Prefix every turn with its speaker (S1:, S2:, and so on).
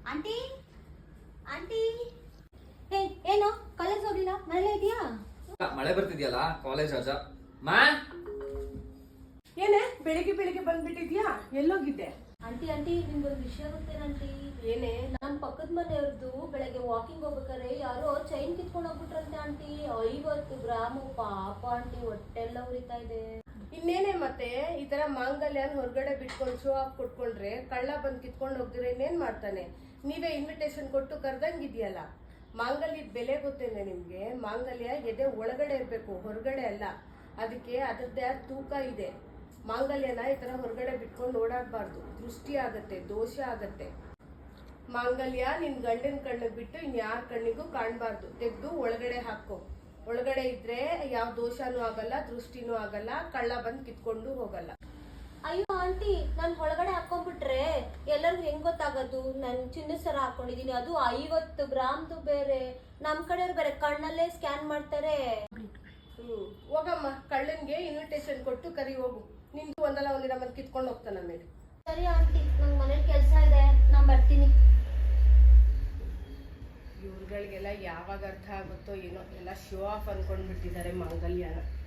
S1: Aunty aunty ಹೇ ಏನು college ಹೋಗಿಲ್ಲ ಮನೇಲೇ ಇದೆಯಾ?
S2: ಮಳೆ ಬರ್ತಿದ್ಯಲ್ಲ ಕಾಲೇಜ್ ರಜಾ. ಮಾ
S3: ಏನೇ ಬೆಳಿಗ್ಗೆ ಬೆಳಿಗ್ಗೆ ಬಂದ್ಬಿಟ್ಟಿದ್ಯಾ? ಎಲ್ಲೋಗಿದ್ದೆ?
S1: ಆಂಟಿ ಆಂಟಿ ನಿಮ್ಗೊಂದು ವಿಷಯ ಗೊತ್ತೇನಂಟಿ?
S3: ಏನೇ?
S1: ನಮ್ಮ ಪಕ್ಕದ ಮನೆಯವ್ರದ್ದು ಬೆಳಗ್ಗೆ ವಾಕಿಂಗ್ ಹೋಗ್ಬೇಕಾರೆ ಯಾರೋ ಚೈನ್ ಕಿತ್ಕೊಂಡು ಹೋಗ್ಬಿಟ್ರಂತೆ ಆಂಟಿ. 50 ಗ್ರಾಮು. ಪಾಪ ಆಂಟಿ, ಹೊಟ್ಟೆಲ್ಲ ಉರಿತಾ ಇದೆ.
S3: ಇನ್ನೇನೆ ಮತ್ತೆ ಈ ತರ ಮಾಂಗಲ್ಯನ ಹೊರಗಡೆ ಬಿಟ್ಕೊಂಡು ಶೋ ಆಫ್ ಕೊಟ್ಕೊಂಡ್ರೆ ಕಳ್ಳ ಬಂದ್ ಕಿತ್ಕೊಂಡು ಹೋಗ್ದಿರ ಇನ್ನೇನ್ ಮಾಡ್ತಾನೆ? ನೀವೇ ಇನ್ವಿಟೇಷನ್ ಕೊಟ್ಟು ಕರ್ದಂಗಿದ್ಯಲ್ಲ. ಮಾಂಗಲ್ಯದ ಬೆಲೆ ಗೊತ್ತೇನೆ ನಿಮ್ಗೆ? ಮಾಂಗಲ್ಯ ಎದೆ ಒಳಗಡೆ ಇರ್ಬೇಕು, ಹೊರಗಡೆ ಅಲ್ಲ. ಅದಕ್ಕೆ ಅದರದ್ದೇ ತೂಕ ಇದೆ. ಮಾಂಗಲ್ಯನ ಈ ತರ ಹೊರಗಡೆ ಬಿಟ್ಕೊಂಡು ಓಡಾಡಬಾರ್ದು. ದೃಷ್ಟಿ ಆಗತ್ತೆ, ದೋಷ ಆಗತ್ತೆ. ಮಾಂಗಲ್ಯ ನಿನ್ ಗಂಡನ ಕಣ್ಣಿಗೆ ಬಿಟ್ಟು ಇನ್ಯಾರ ಕಣ್ಣಿಗೂ ಕಾಣಬಾರ್ದು. ತೆಗೆದು ಒಳಗಡೆ ಹಾಕೋ. ಒಳಗಡೆ ಇದ್ರೆ ಯಾವ ದೋಷನೂ ಆಗಲ್ಲ, ದೃಷ್ಟಿನೂ ಆಗಲ್ಲ, ಕಳ್ಳ ಬಂದ್ ಕಿತ್ಕೊಂಡು ಹೋಗಲ್ಲ.
S1: ಅಯ್ಯೋ ಆಂಟಿ, ನಾನು ಒಳಗಡೆ ಹಾಕೊಂಡ್ಬಿಟ್ರೆ ಎಲ್ಲರಿಗೂ ಹೆಂಗ್ ಗೊತ್ತಾಗೋದು? ನಾನು ಚಿನ್ನದ ಸರ ಹಾಕೊಂಡಿದೀನಿ, ಅದು 50 ಗ್ರಾಮ್ದು ಬೇರೆ. ನಮ್ ಕಡೆಯವ್ರು ಬೇರೆ ಕಣ್ಣಲ್ಲೇ ಸ್ಕ್ಯಾನ್ ಮಾಡ್ತಾರೆ.
S3: ಹೋಗಮ್ಮ, ಕಳ್ಳನ್ಗೆ ಇನ್ವಿಟೇಷನ್ ಕೊಟ್ಟು ಕರಿ ಹೋಗು. ನಿಂದು ಒಂದಲ್ಲ ಒಂದಿನ ಬಂದ್ ಕಿತ್ಕೊಂಡು ಹೋಗ್ತಾನ ಮೇಲೆ.
S1: ಸರಿ ಆಂಟಿ, ನಂಗೆ ಮನೇಲಿ ಕೆಲಸ ಇದೆ, ನಾನು ಬರ್ತೀನಿ.
S3: ಇವ್ರುಗಳಿಗೆಲ್ಲ ಯಾವಾಗ ಅರ್ಥ ಆಗುತ್ತೋ ಏನೋ, ಎಲ್ಲ ಶೋ ಆಫ್ ಅನ್ಕೊಂಡ್ಬಿಟ್ಟಿದ್ದಾರೆ ಮಾಂಗಲ್ಯನ.